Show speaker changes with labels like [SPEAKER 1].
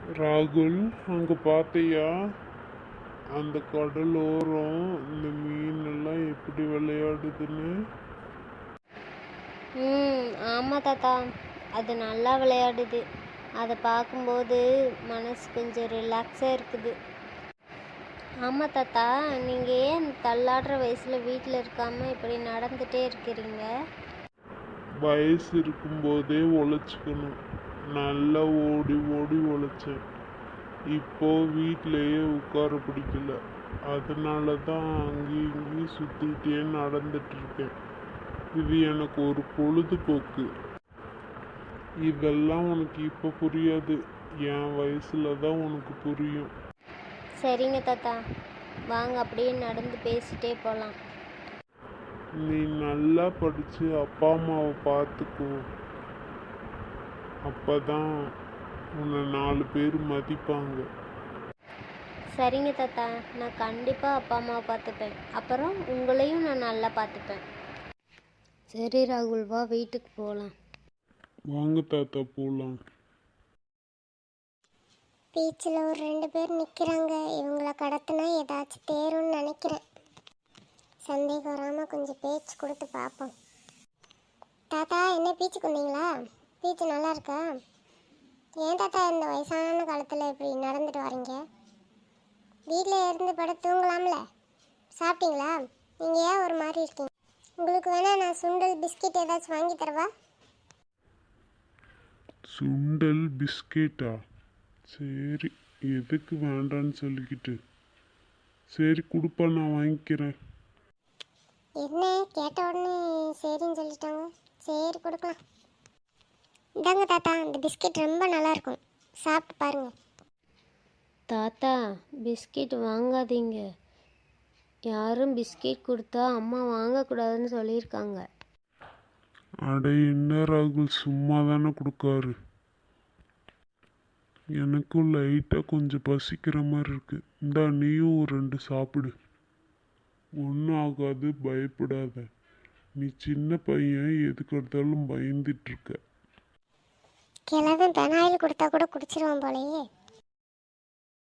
[SPEAKER 1] ராகுல், அங்க பார்த்தியா? அந்த கடலோரம் இந்த மீன் எல்லாம் எப்படி விளையாடுதுன்னு.
[SPEAKER 2] ஆமாம் தாத்தா, அது நல்லா விளையாடுது. அதை பார்க்கும்போது மனசு கொஞ்சம் ரிலாக்ஸாக இருக்குது. ஆமாம் தாத்தா, நீங்கள் ஏன் தள்ளாடுற வயசில் வீட்டில் இருக்காமல் இப்படி நடந்துகிட்டே இருக்கிறீங்க?
[SPEAKER 1] வயசு இருக்கும்போதே உழைச்சிக்கணும். நல்லா ஓடி ஓடி உழைச்சேன். இப்போ வீட்டிலையே உட்கார பிடிக்கல. அதனால தான் அங்கேயும் இங்கேயும் சுற்றிக்கிட்டே நடந்துட்டு இருக்கேன். இது எனக்கு ஒரு பொழுதுபோக்கு. இதெல்லாம் உனக்கு இப்போ புரியாது. என் வயசுல தான் உனக்கு புரியும்.
[SPEAKER 2] சரிங்க தாத்தா, வாங்க அப்படியே நடந்து பேசிட்டே போகலாம்.
[SPEAKER 1] நீ நல்லா படித்து அப்பா அம்மாவை பார்த்துக்கோ. அப்போ தான் உன்னை 4 பேர் மதிப்பாங்க.
[SPEAKER 2] சரிங்க தாத்தா, நான் கண்டிப்பாக அப்பா அம்மாவை பார்த்துப்பேன். அப்புறம் உங்களையும் நான் நல்லா பார்த்துப்பேன். சரி ராகுல், வா வீட்டுக்கு போகலாம்.
[SPEAKER 1] வாங்க தாத்தா, போகலாம்.
[SPEAKER 3] பீச்சில் ஒரு 2 பேர் நிற்கிறாங்க. இவங்கள கடத்தினா ஏதாச்சும் தேரும்னு நினைக்கிறேன். சந்தேகம் வராமல் கொஞ்சம் பேச்சு கொடுத்து பார்ப்போம். தாத்தா, என்ன பீச்சுக்கு வந்தீங்களா? பீச்சு நல்லா இருக்கா? ஏன் தாத்தா இந்த வயசான காலத்தில் இப்படி நடந்துட்டு வரீங்க? வீட்டில் இருந்து படம் தூங்கலாம்ல? சாப்பிட்டீங்களா? நீங்கள் ஏன் ஒரு மாதிரி இருக்கீங்க? உங்களுக்கு வேணால் நான் சுண்டல் பிஸ்கெட் ஏதாச்சும் வாங்கி தரவா?
[SPEAKER 1] சுண்டல் பிஸ்கெட்டா? சரி, எதுக்கு வேண்டான்னு சொல்லிக்கிட்டு. சரி கொடுப்பா, நான் வாங்கிக்கிறேன்.
[SPEAKER 3] என்ன கேட்ட உடனே சரின்னு சொல்லிட்டாங்க. சரி கொடுக்கலாம். இந்தாங்க தாத்தா, இந்த பிஸ்கெட் ரொம்ப நல்லாயிருக்கும், சாப்பிட்டு பாருங்கள்.
[SPEAKER 2] தாத்தா, பிஸ்கெட் வாங்காதீங்க. யாரும் பிஸ்கெட் கொடுத்தா அம்மா வாங்கக்கூடாதுன்னு சொல்லியிருக்காங்க.
[SPEAKER 1] அட என்ன ராகுல், சும்மா தானே கொடுக்காரு. எனக்கும் லைட்டாக கொஞ்சம் பசிக்கிற மாதிரி இருக்கு. இந்தா, நீயும் ஒரு 2 சாப்பிடு. ஒன்றும் ஆகாது, பயப்படாத. நீ சின்ன பையன், எதுக்கு எடுத்தாலும் பயந்துட்டு இருக்க.
[SPEAKER 3] கிழவன் பெனாயில் கொடுத்தா கூட குடிச்சிருவான் போலயே.